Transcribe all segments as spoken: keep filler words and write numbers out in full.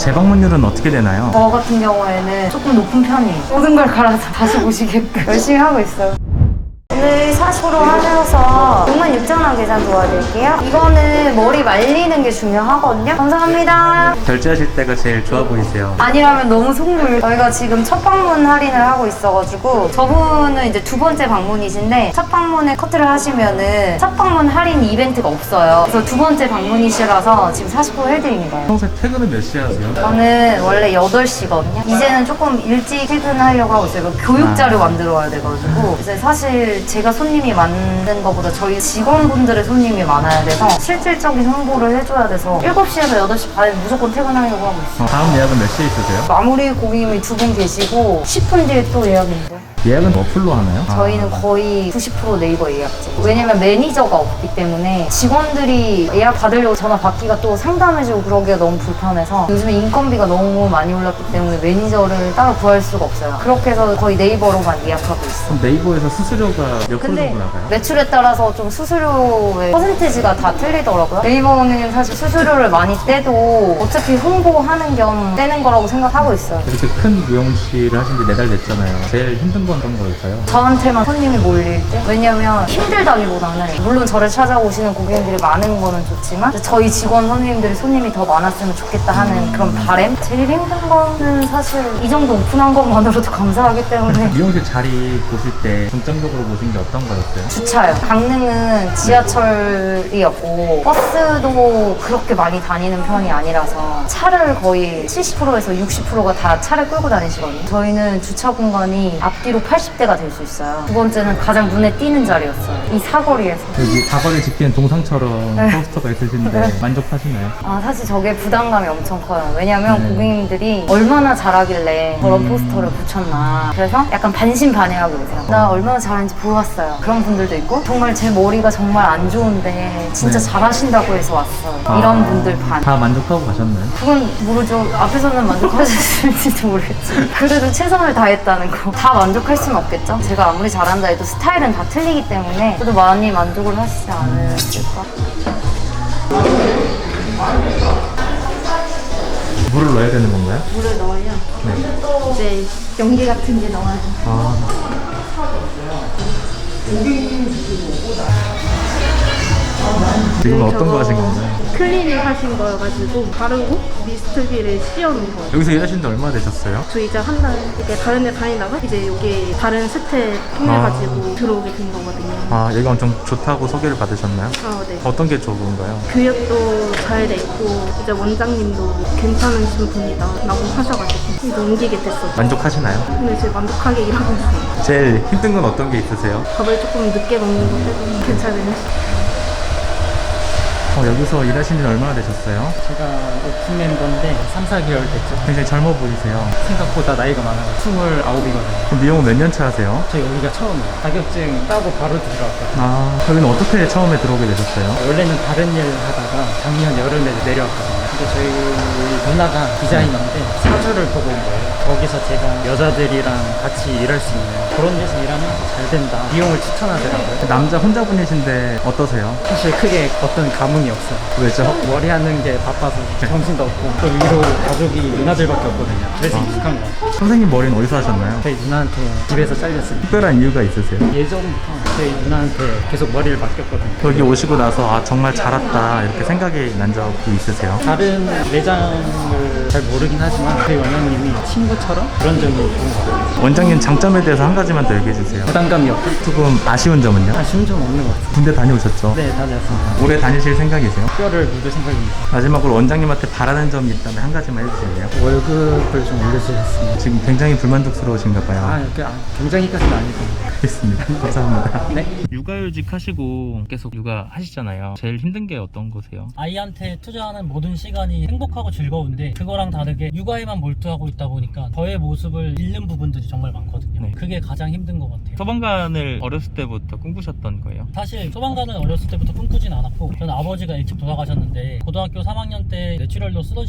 재방문율은 어떻게 되나요? 저 같은 경우에는 조금 높은 편이에요. 모든 걸 갈아서 다시 보시게끔 열심히 하고 있어요. 오늘 사십 프로 하셔서 육만 육천 원 계산 도와드릴게요. 이거는 머리 말리는 게 중요하거든요. 감사합니다. 결제하실 때가 제일 좋아 보이세요. 아니라면 너무 속물. 저희가 지금 첫 방문 할인을 하고 있어가지고 저분은 이제 두 번째 방문이신데 첫 방문에 커트를 하시면은 첫 방문 할인 이벤트가 없어요. 그래서 두 번째 방문이시라서 지금 사십 퍼센트 해드리는 거예요. 평소에 퇴근은 몇 시에 하세요? 저는 원래 여덟 시거든요. 이제는 조금 일찍 퇴근하려고 하고 있어요. 교육 자료 만들어 와야 돼가지고. 이제 사실 제가 손님이 많은 것보다 저희 직원분들의 손님이 많아야 돼서 실질적인 홍보를 해줘야 돼서 일곱 시에서 여덟 시 반에 무조건 퇴근하려고 하고 있어요. 어, 다음 예약은 몇 시에 있으세요? 마무리 고객님이 두 분 계시고 십 분 뒤에 또 예약인데 예약은 어플로 하나요? 저희는 거의 구십 퍼센트 네이버 예약제. 왜냐면 매니저가 없기 때문에 직원들이 예약 받으려고 전화 받기가 또 상담해주고 그러기가 너무 불편해서 요즘에 인건비가 너무 많이 올랐기 때문에 매니저를 따로 구할 수가 없어요. 그렇게 해서 거의 네이버로만 예약하고 있어요. 그럼 네이버에서 수수료가 몇 프로 근데 정도 나가요? 매출에 따라서 좀 수수료의 퍼센티지가 다 틀리더라고요. 네이버는 사실 수수료를 많이 떼도 어차피 홍보하는 겸 떼는 거라고 생각하고 있어요. 이렇게 큰 미용실을 하신 지 네 달 됐잖아요. 제일 힘든 건 어떤 거일까요? 저한테만 손님이 몰릴 때? 왜냐면 힘들다기보다는 물론 저를 찾아오시는 고객님들이 많은 거는 좋지만 저희 직원 선생님들이 손님이 더 많았으면 좋겠다 하는 그런 바람? 제일 힘든 거는 사실 이 정도 오픈한 것만으로도 감사하기 때문에 미용실 자리 보실 때 중점적으로 보신 게 어떤 거였어요? 주차요. 강릉은 지하철이었고 버스도 그렇게 많이 다니는 편이 아니라서 차를 거의 칠십 퍼센트에서 육십 퍼센트가 다 차를 끌고 다니시거든요. 저희는 주차 공간이 앞뒤로 팔십 대가 될 수 있어요. 두 번째는 가장 눈에 띄는 자리였어요. 이 사거리에서. 여기 사거리 지키는 동상처럼 네. 포스터가 있으신데 만족하시나요? 아, 사실 저게 부담감이 엄청 커요. 왜냐면 네. 고객님들이 얼마나 잘하길래 저런 포스터를 붙였나. 그래서 약간 반신반의하고 계세요. 나 얼마나 잘하는지 보고 왔어요. 그런 분들도 있고 정말 제 머리가 정말 안 좋은데 진짜 네. 잘하신다고 해서 왔어요. 아, 이런 분들 반. 다 만족하고 가셨나요? 그건 모르죠. 앞에서는 만족하셨을지도 모르겠지만 그래도 최선을 다했다는 거. 다 만족할 수는 없겠죠. 제가 아무리 잘한다 해도 스타일은 다 틀리기 때문에 저도 많이 만족을 하시지 않으실까. 물을 넣어야 되는 건가요? 물을 넣어요. 네. 이제 연기 같은 게 나와요. 아. 지금 어떤 거 하신 건가요? 클리닝 하신 거여가지고 바르고 미스트기를 씌워놓은 거예요. 여기서 일하신 지 얼마나 되셨어요? 저 이제 한 달 이렇게 다른 데 다니다가 이제 여기 다른 스텝 통해가지고 들어오게 된 거거든요. 아, 여기 엄청 좋다고 소개를 받으셨나요? 아, 네. 어떤 게 좋은가요? 교육도 잘 돼 있고 이제 원장님도 괜찮으신 분이다 라고 하셔가지고 이제 옮기게 됐어요. 만족하시나요? 근데 지금 만족하게 일하고 있어요. 제일 힘든 건 어떤 게 있으세요? 밥을 조금 늦게 먹는 거 빼고 괜찮아요. 어, 여기서 일하신 지는 얼마나 되셨어요? 제가 오픈 멤버인데 삼, 사 개월 됐죠. 굉장히 젊어 보이세요. 생각보다 나이가 많아요. 스물아홉이거든요. 그럼 미용은 몇 년 차 하세요? 저 여기가 처음이에요. 자격증 따고 바로 들어왔거든요. 아, 여기는 어떻게 처음에 들어오게 되셨어요? 원래는 다른 일 하다가 작년 여름에 내려왔거든요. 근데 저희 누나가 디자이너인데 사주를 보고 온 거예요. 거기서 제가 여자들이랑 같이 일할 수 있는 그런 데서 일하면 잘 된다. 미용을 추천하더라고요. 남자 혼자분이신데 어떠세요? 사실 크게 어떤 감흥이 없어요. 왜죠? 머리 하는 게 바빠서 정신도 없고 또 위로 가족이 누나들밖에 없거든요. 그래서 익숙한 거 같아요. 선생님 머리는 어디서 하셨나요? 저희 누나한테 집에서 잘렸습니다. 특별한 이유가 있으세요? 예전부터 저희 누나한테 계속 머리를 맡겼거든요. 여기 오시고 나서 아 정말 잘 왔다 이렇게 생각이 난 적이 있으세요? 다른 매장을 잘 모르긴 하지만 저희 원장님이 친구처럼 그런 점이 좋은 것 같아요. 원장님 장점에 대해서 한 가지만 더 얘기해 주세요. 부담감이 없고 조금 아쉬운 점은요? 아쉬운 점 없는 것 같아요. 군대 다녀오셨죠? 네, 다녔습니다. 오래 다니실 생각이세요? 뼈를 묻을 생각입니다. 마지막으로 원장님한테 바라는 점이 있다면 한 가지만 해주실래요? 월급을 좀 올려주셨습니다. 지금 굉장히 불만족스러우신가 봐요. 아, 그, 아 굉장히까지는 아니고. 알겠습니다. 감사합니다. 네. 육아휴직 하시고 계속 육아 하시잖아요. 제일 힘든 게 어떤 거세요? 아이한테 투자하는 모든 시간이 행복하고 즐거운데 그거랑 다르게 육아에만 몰두하고 있다 보니까 저의 모습을 잃는 부분들이 정말 많거든요. 네. 그게 가장 힘든 것 같아요. 소방관을 어렸을 때부터 꿈꾸셨던 거예요? 사실 소방관은 어렸을 때부터 꿈꾸진 않았고 저는 아버지가 일찍 돌아가셨는데 고등학교 삼 학년 때 뇌출혈로 쓰러지셨거든요.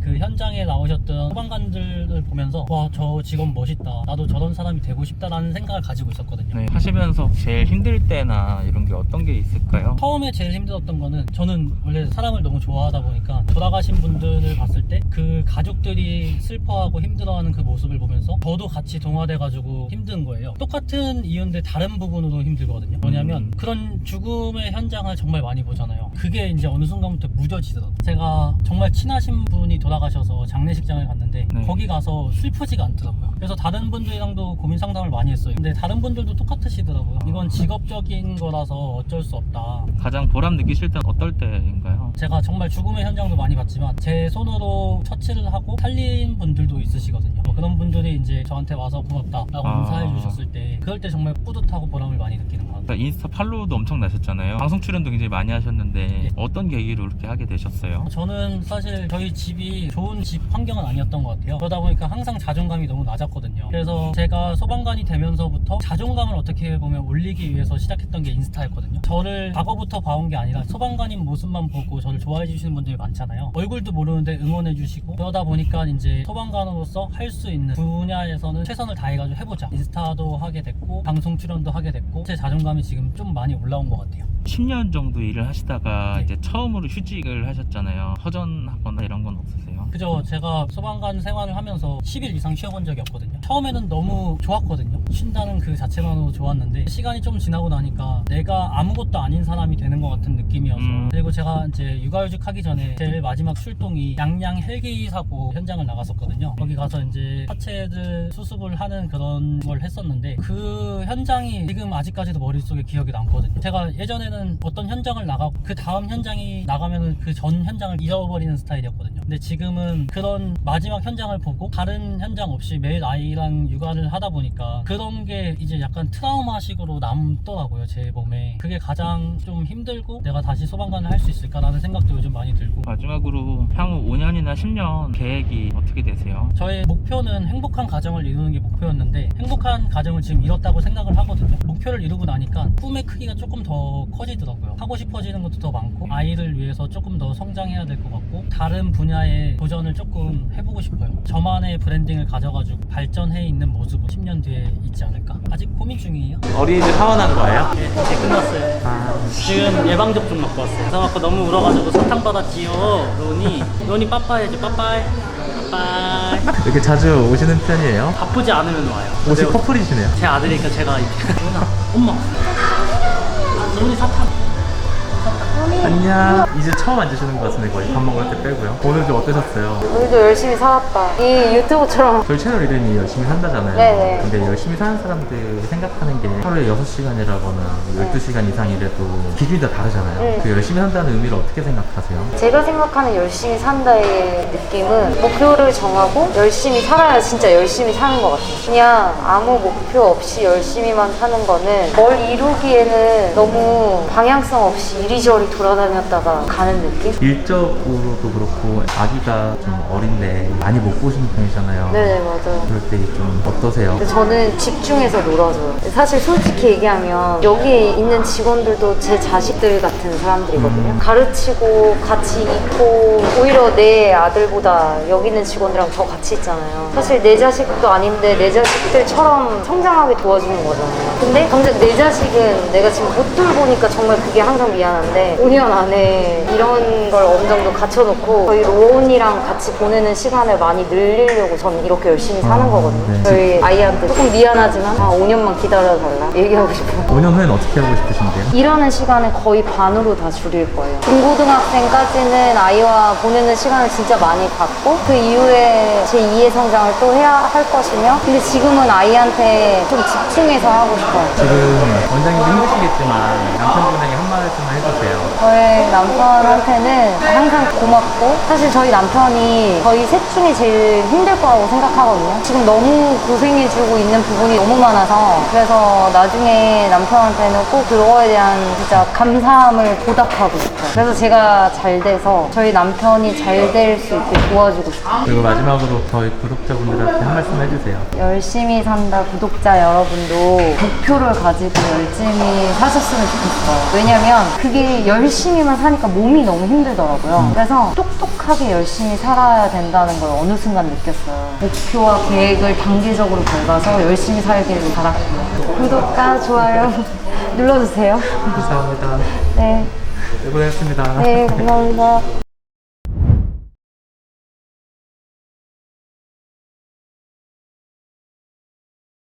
그 현장에 나오셨던 소방관들을 보면서 와, 저 직원 멋있다, 나도 저런 사람이 되고 싶다라는 생각을 가지고 있었거든요. 네, 하시면서 제일 힘들 때나 이런 게 어떤 게 있을까요? 처음에 제일 힘들었던 거는 저는 원래 사람을 너무 좋아하다 보니까 돌아가신 분들을 봤을 때 그 가족들이 슬퍼하고 힘들어하는 그 모습을 보면서 저도 같이 동화돼가지고 힘든 거예요. 똑같은 이유인데 다른 부분으로 힘들거든요. 뭐냐면 그런 죽음의 현장을 정말 많이 보잖아요. 그게 이제 어느 순간부터 무뎌지더라고요. 제가 정말 친하신 분이 돌아가셔서 장례식장을 갔는데 네. 거기 가서 슬프지가 않더라고요. 그래서 다른 분들이랑도 고민 상담을 많이 했어요. 근데 다른 분들도 똑같으시더라고요. 이건 직업적인 거라서 어쩔 수 없다. 가장 보람 느끼실 때는 어떨 때인가요? 제가 정말 죽음의 현장도 많이 봤지만 제 손으로 처치를 하고 살린 분들도 있으시거든요. 뭐 그런 분들이 이제 저한테 와서 고맙다라고 아. 인사해 주셨을 때 그럴 때 정말 뿌듯하고 보람을 많이 느끼는 것 같아요. 그러니까 인스타 팔로우도 엄청 나셨잖아요. 방송 출연도 굉장히 많이 하셨는데 네. 어떤 계기로 그렇게 하게 되셨어요? 저는 사실 저희 집이 좋은 집 환경은 아니었던 것 같아요. 그러다 보니까 항상 자존감이 너무 낮았거든요. 그래서 제가 소방관이 되면서부터 자존감을 어떻게 보면 올리기 위해서 시작했던 게 인스타였거든요. 저를 과거부터 봐온 게 아니라 소방관인 모습만 보고 저를 좋아해 주시는 분들이 많잖아요. 얼굴도 모르는데 응원해 주시고 그러다 보니까 이제 소방관으로서 할 수 있는 분야에서는 최선을 다해가지고 해보자. 인스타도 하게 됐고 방송 출연도 하게 됐고 제 자존감이 지금 좀 많이 올라온 것 같아요. 십 년 정도 일을 하시다가 네. 이제 처음으로 휴직을 하셨잖아요. 허전하거나 이런 건 없으세요? 그죠. 제가 소방관 생활을 하면서 십 일 이상 쉬어본 적이 없거든요. 처음에는 너무 좋았거든요. 쉰다는 그 자체만으로 좋았는데 시간이 좀 지나고 나니까 내가 아무것도 아닌 사람이 되는 것 같은 느낌이어서 음. 그리고 제가 이제 육아휴직 하기 전에 제일 마지막 출동이 양양 헬기 사고 현장을 나갔었거든요. 거기 가서 이제 하체들 수습을 하는 그런 걸 했었는데 그 현장이 지금 아직까지도 머릿속에 기억이 남거든요. 제가 예전에는 어떤 현장을 나가고 그 다음 현장이 나가면은 그 전 현장을 잊어버리는 스타일이었거든요. 근데 지금은 그런 마지막 현장을 보고 다른 현장 없이 매일 아이랑 육아를 하다 보니까 그런 게 이제 약간 트라우마식으로 남더라고요, 제 몸에. 그게 가장 좀 힘들고 내가 다시 소방관을 할 수 있을까라는 생각도 요즘 많이 들고. 마지막으로 향후 오 년이나 십 년 계획이 어떻게 되세요? 저의 목표는 행복한 가정을 이루는 게 목표였는데 행복한 가정을 지금 이뤘다고 생각을 하거든요. 목표를 이루고 나니까 꿈의 크기가 조금 더 커지더라고요. 하고 싶어지는 것도 더 많고 아이를 위해서 조금 더 성장해야 될 것 같고 다른 분야의 도전을 조금 해보고 싶어요. 저만의 브랜딩을 가져가지고 발전해 있는 모습은 십 년 뒤에 있지 않을까. 아직 고민 중이에요. 어린이집 하원한 거예요? 네, 이제 끝났어요. 아, 지금 예방접종 맞고 왔어요. 그래서 아까 너무 울어가지고 사탕 받았지요. 로니, 로니 빠빠해야지. 빠빠이. 빠빠이. 이렇게 자주 오시는 편이에요? 바쁘지 않으면 와요. 옷이 근데 커플이시네요. 제 아들이니까 제가 이렇게 로나, 엄마. 아, 로니 사탕. 안녕. 이제 처음 앉으시는 것 같은데 거의 밥 먹을 때 빼고요. 오늘 좀 어떠셨어요? 우리도 열심히 살았다. 이 유튜브처럼. 저희 채널 이름이 열심히 산다잖아요. 네네. 근데 열심히 사는 사람들 생각하는 게 하루에 여섯 시간이라거나 열두 시간 이상 일해도 기준이 다 다르잖아요. 네. 그 열심히 산다는 의미를 어떻게 생각하세요? 제가 생각하는 열심히 산다의 느낌은 목표를 정하고 열심히 살아야 진짜 열심히 사는 것 같아요. 그냥 아무 목표 없이 열심히만 사는 거는 뭘 이루기에는 너무 방향성 없이 이리저리 돌아다녔다가 가는 느낌? 일적으로도 그렇고 아기가 좀 어린데 많이 못 보시는 편이잖아요. 네네, 맞아요. 그럴 때 좀 어떠세요? 근데 저는 집중해서 놀아줘요. 사실 솔직히 얘기하면 여기 있는 직원들도 제 자식들 같은 사람들이거든요. 음. 가르치고 같이 있고 오히려 내 아들보다 여기 있는 직원들이랑 더 같이 있잖아요. 사실 내 자식도 아닌데 내 자식들처럼 성장하게 도와주는 거잖아요. 근데 당장 내 자식은 내가 지금 못 돌보니까 정말 그게 항상 미안한데 오 년 안에 이런 걸 어느 정도 갖춰놓고 저희 로운이랑 같이 보내는 시간을 많이 늘리려고 저는 이렇게 열심히 사는 아, 거거든요. 네. 저희 아이한테 조금 미안하지만 아, 오 년만 기다려달라 얘기하고 싶어요. 오 년 후에는 어떻게 하고 싶으신데요? 일하는 시간을 거의 반으로 다 줄일 거예요. 중고등학생까지는 아이와 보내는 시간을 진짜 많이 갖고 그 이후에 제이의 성장을 또 해야 할 것이며 근데 지금은 아이한테 좀 집중해서 하고 싶어요. 지금 원장님도 힘드시겠지만 남편분에게 한 말씀만 해주세요. 저의 남편한테는 항상 고맙고 사실 저희 남편이 저희 셋 중에 제일 힘들 거라고 생각하거든요. 지금 너무 고생해주고 있는 부분이 너무 많아서 그래서 나중에 남편한테는 꼭 그거에 대한 진짜 감사함을 보답하고 싶어요. 싶어요. 그래서 제가 잘 돼서 저희 남편이 잘 될 수 있게 도와주고 싶어요. 그리고 마지막으로 저희 구독자분들한테 한 말씀 해주세요. 열심히 산다 구독자 여러분도 목표를 가지고 열심히 사셨으면 좋겠어요. 왜냐면 그게 열심히만 사니까 몸이 너무 힘들더라고요. 그래서 똑똑하게 열심히 살아야 된다는 걸 어느 순간 느꼈어요. 목표와 계획을 단계적으로 밟아서 열심히 살기를 바랄게요. 구독과 좋아요 눌러주세요. 감사합니다. 네, 네, 고생했습니다. 네, 감사합니다.